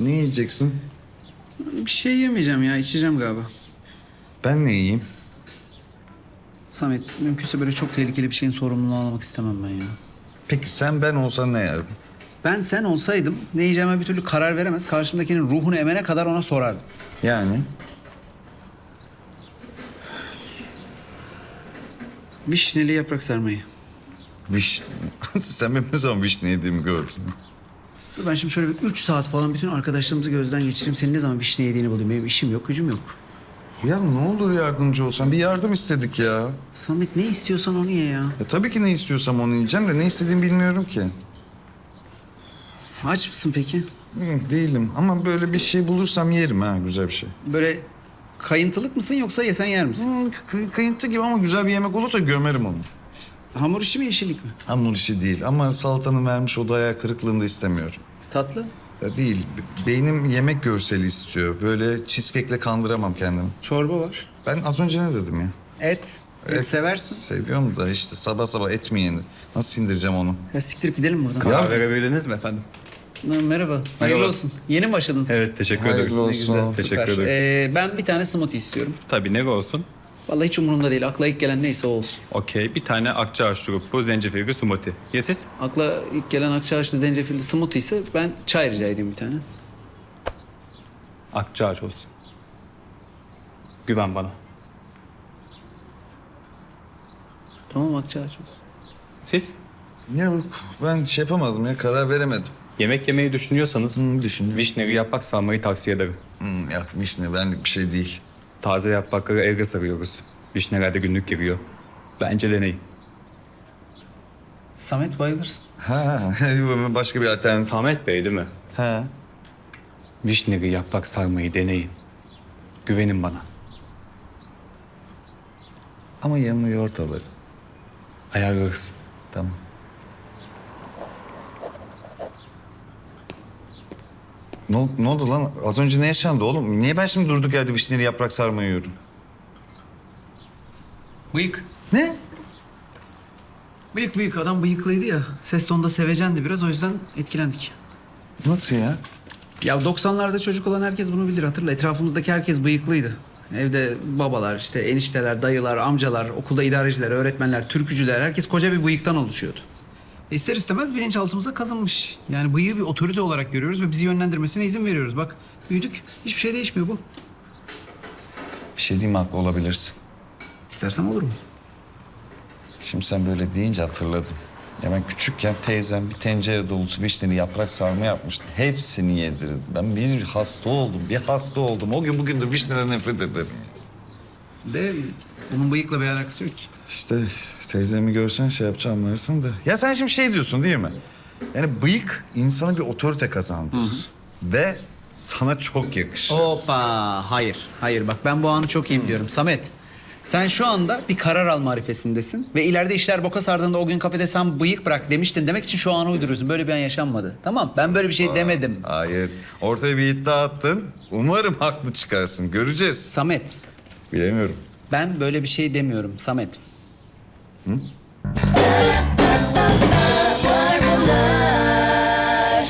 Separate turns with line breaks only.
Ne yiyeceksin?
Bir şey yemeyeceğim ya, içeceğim galiba.
Ben ne yiyeyim?
Samet, mümkünse böyle çok tehlikeli bir şeyin sorumluluğunu almak istemem ben ya.
Peki sen ben olsan ne yerdin?
Ben sen olsaydım ne yiyeceğime bir türlü karar veremez, karşımdakinin ruhunu emene kadar ona sorardım.
Yani?
Vişneli yaprak sarmayı.
Vişne. Sen benim ne zaman vişne yediğimi gördün?
Dur ben şimdi şöyle bir 3 saat falan bütün arkadaşlarımızı gözden geçireyim. Senin ne zaman vişne yediğini bulayım. Benim işim yok, gücüm yok.
Ya ne olur yardımcı olsan. Bir yardım istedik ya.
Samet ne istiyorsan onu ye ya.
Ya tabii ki ne istiyorsam onu yiyeceğim de ne istediğimi bilmiyorum ki.
Aç mısın peki?
Değilim ama böyle bir şey bulursam yerim ha, güzel bir şey.
Böyle kayıntılık mısın yoksa yesen yer misin?
Kıyıntı gibi ama güzel bir yemek olursa gömerim onu.
Hamur işi mi yeşillik mi?
Hamur işi değil ama salatanın vermiş o hayal kırıklığını da istemiyorum.
Tatlı.
Ya değil, beynim yemek görseli istiyor. Böyle cheesecake'le kandıramam kendimi.
Çorba var.
Ben az önce ne dedim ya?
Et. Et seversin.
Seviyorum da işte sabah sabah et mi yenir? Nasıl sindireceğim onu?
Ya siktirip gidelim buradan.
Ya-
Karar verebildiniz mi efendim?
Merhaba. Hayırlı olsun. Yeni mi başladınız?
Evet, teşekkür ederim.
Hayırlı
Ne
olsun.
güzel,
Teşekkür
süper.
ederim.
Ben bir tane smoothie istiyorum.
Tabii, ne olsun?
Vallahi hiç umurumda değil. Akla ilk gelen neyse o olsun.
Okey, bir tane akçaağaç şurubu, zencefilli smoothie. Ya siz?
Akla ilk gelen akçaağaçlı zencefilli smoothie ise ben çay rica edeyim bir tane.
Akçaağaç olsun. Güven bana.
Tamam akçaağaç olsun.
Siz?
Ya ben şey yapamadım ya, karar veremedim.
Yemek yemeyi düşünüyorsanız
Düşünüyorum.
vişneli yaprak sarmayı tavsiye ederim.
Ya vişne benlik bir şey değil.
Taze yaprakları evde sarıyoruz. Vişneler de günlük giriyor. Bence deneyin.
Samet bayılırsın.
Ha, başka bir alternatif.
Samet Bey değil mi?
Ha.
Vişneli yaprak sarmayı deneyin. Güvenin bana.
Ama yanına yoğurt alırım.
Ayarlarız.
Tamam. Ne oldu lan? Az önce ne yaşandı oğlum? Niye ben şimdi durduk yerde vişneli yaprak sarma yiyorum?
Bıyık.
Ne?
Bıyık adam bıyıklıydı ya. Ses tonunda sevecendi biraz o yüzden etkilendik.
Nasıl ya?
Ya 90'larda çocuk olan herkes bunu bilir hatırla. Etrafımızdaki herkes bıyıklıydı. Evde babalar, işte enişteler, dayılar, amcalar, okulda idareciler, öğretmenler, türkücüler herkes koca bir bıyıktan oluşuyordu. İster istemez bilinçaltımıza kazınmış. Yani bıyığı bir otorite olarak görüyoruz ve bizi yönlendirmesine izin veriyoruz. Bak büyüdük. Hiçbir şey değişmiyor bu.
Bir şey diyeyim mi, haklı olabilirsin.
İstersem olur mu?
Şimdi sen böyle deyince hatırladım. Ya ben küçükken teyzem bir tencere dolusu vişneli yaprak sarma yapmıştı. Hepsini yedirdi. Ben bir hasta oldum. O gün bugündür vişneden nefret ederim.
De bunun bıyıkla bir alakası yok ki.
İşte teyzemi görsen şey yapacağım anlarsın da. Ya sen şimdi şey diyorsun değil mi? Yani bıyık insana bir otorite kazandırır. Ve sana çok yakışır.
Hoppa. Hayır bak ben bu anı çok iyi biliyorum. Samet. Sen şu anda bir karar alma arifesindesin ve ileride işler boka sardığında o gün kafede sen bıyık bırak demiştin demek için şu anı uyduruyorsun. Böyle bir an yaşanmadı. Tamam ben böyle bir şey demedim.
Hayır. Ortaya bir iddia attın. Umarım haklı çıkarsın. Göreceğiz.
Samet
Bilemiyorum.
ben böyle bir şey demiyorum Samet.